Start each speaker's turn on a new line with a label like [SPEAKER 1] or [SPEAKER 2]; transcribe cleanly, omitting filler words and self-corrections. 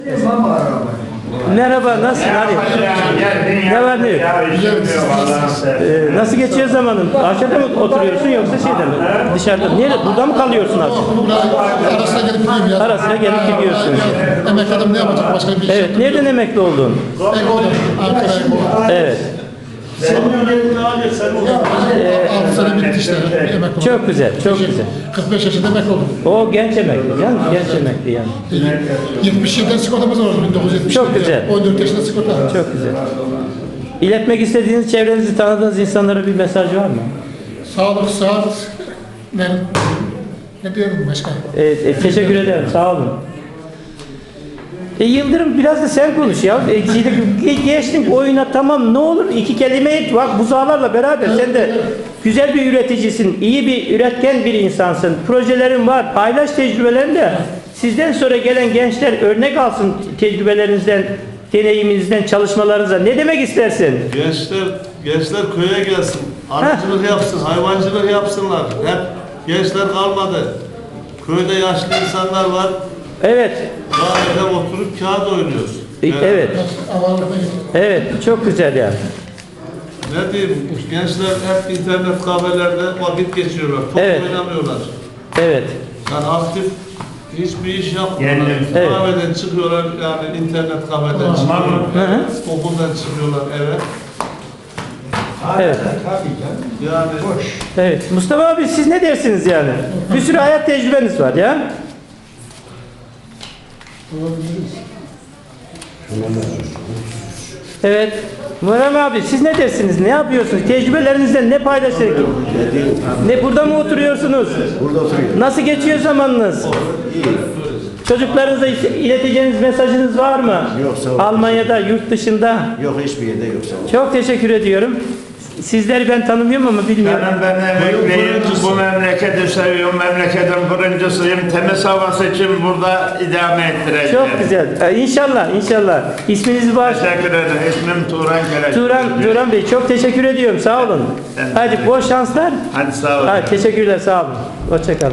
[SPEAKER 1] Merhaba, nasılsın Ali? Ne var ne yok? Nasıl geçiyor zamanın? Aşağıda mı oturuyorsun yoksa şeyde mi? Dışarıda mı? Nerede? Burada mı kalıyorsun artık?
[SPEAKER 2] Arasına gelip gidiyorum ya.
[SPEAKER 1] Ara sıra gelip gidiyorsun.
[SPEAKER 2] Emekli adam ne yapacak? Başka bir iş
[SPEAKER 1] Evet, nereden emekli oldun?
[SPEAKER 2] Ego'da. Ankara Ego'da.
[SPEAKER 1] Evet.
[SPEAKER 2] 6 sene bitti işte. Emekli oldum.
[SPEAKER 1] Çok güzel, çok güzel.
[SPEAKER 2] 45 yaşında emekli oldum.
[SPEAKER 1] O genç emekli, yani genç emekli yani.
[SPEAKER 2] 77'den sigortamız var 1970'de.
[SPEAKER 1] Çok güzel.
[SPEAKER 2] 14 yaşında sigorta.
[SPEAKER 1] Çok güzel. İletmek istediğiniz, tanıdığınız insanlara bir mesaj var mı?
[SPEAKER 2] Sağlık, sıhhat. Ne diyorum başka?
[SPEAKER 1] Teşekkür ederim, sağ olun. Yıldırım biraz da sen konuş ya. Geçtin oyuna, tamam, ne olur iki kelime et. Bak buzağlarla beraber sen de güzel bir üreticisin, iyi bir üretken bir insansın. Projelerin var, paylaş tecrübelerini de. Sizden sonra gelen gençler örnek alsın tecrübelerinizden, deneyiminizden, çalışmalarınızdan. Ne demek istersin?
[SPEAKER 3] Gençler köye gelsin, arıcılık yapsın, hayvancılık yapsınlar. Hep gençler kalmadı. Köyde yaşlı insanlar var.
[SPEAKER 1] Evet.
[SPEAKER 3] Daha evde oturup kağıt oynuyoruz.
[SPEAKER 1] Evet. Evet, çok güzel yani.
[SPEAKER 3] Ne diyeyim, gençler hep internet kafelerde vakit geçiriyorlar. Top oynamıyorlar.
[SPEAKER 1] Evet.
[SPEAKER 3] Yani aktif hiçbir iş yapmıyorlar.
[SPEAKER 1] Evet.
[SPEAKER 3] Kahveden çıkıyorlar, yani internet kafeden çıkıyorlar. Okuldan çıkıyorlar eve.
[SPEAKER 1] Evet.
[SPEAKER 3] Yani
[SPEAKER 1] Evet. Mustafa abi siz ne dersiniz yani? Bir sürü hayat tecrübeniz var ya. Evet. Muharrem abi siz ne dersiniz? Ne yapıyorsunuz? Tecrübelerinizden ne paylaşıyorsunuz? Ne burada mı oturuyorsunuz?
[SPEAKER 4] Burada oturuyorum.
[SPEAKER 1] Nasıl geçiyor zamanınız?
[SPEAKER 4] İyi.
[SPEAKER 1] Çocuklarınıza ileteceğiniz mesajınız var mı?
[SPEAKER 4] Yok, sağ olun.
[SPEAKER 1] Almanya'da, yurt dışında.
[SPEAKER 4] Yok, hiçbir yerde yok, sağ olun.
[SPEAKER 1] Çok teşekkür ediyorum. Sizleri ben tanımıyorum ama bilmiyorum.
[SPEAKER 5] Ben emekliyim, bu memleketi seviyorum, memleketin kuruncusuyum. Temiz havası için burada idame ettireceğim.
[SPEAKER 1] Çok güzel. İnşallah, inşallah. İsminizi bağışlayın.
[SPEAKER 5] Teşekkür ederim. İsmim Turan Keleş.
[SPEAKER 1] Turan Bey çok teşekkür ediyorum. Sağ olun. Hadi bol şanslar.
[SPEAKER 5] Hadi sağ olun.
[SPEAKER 1] Hadi, teşekkürler, sağ olun. Hoşça kalın.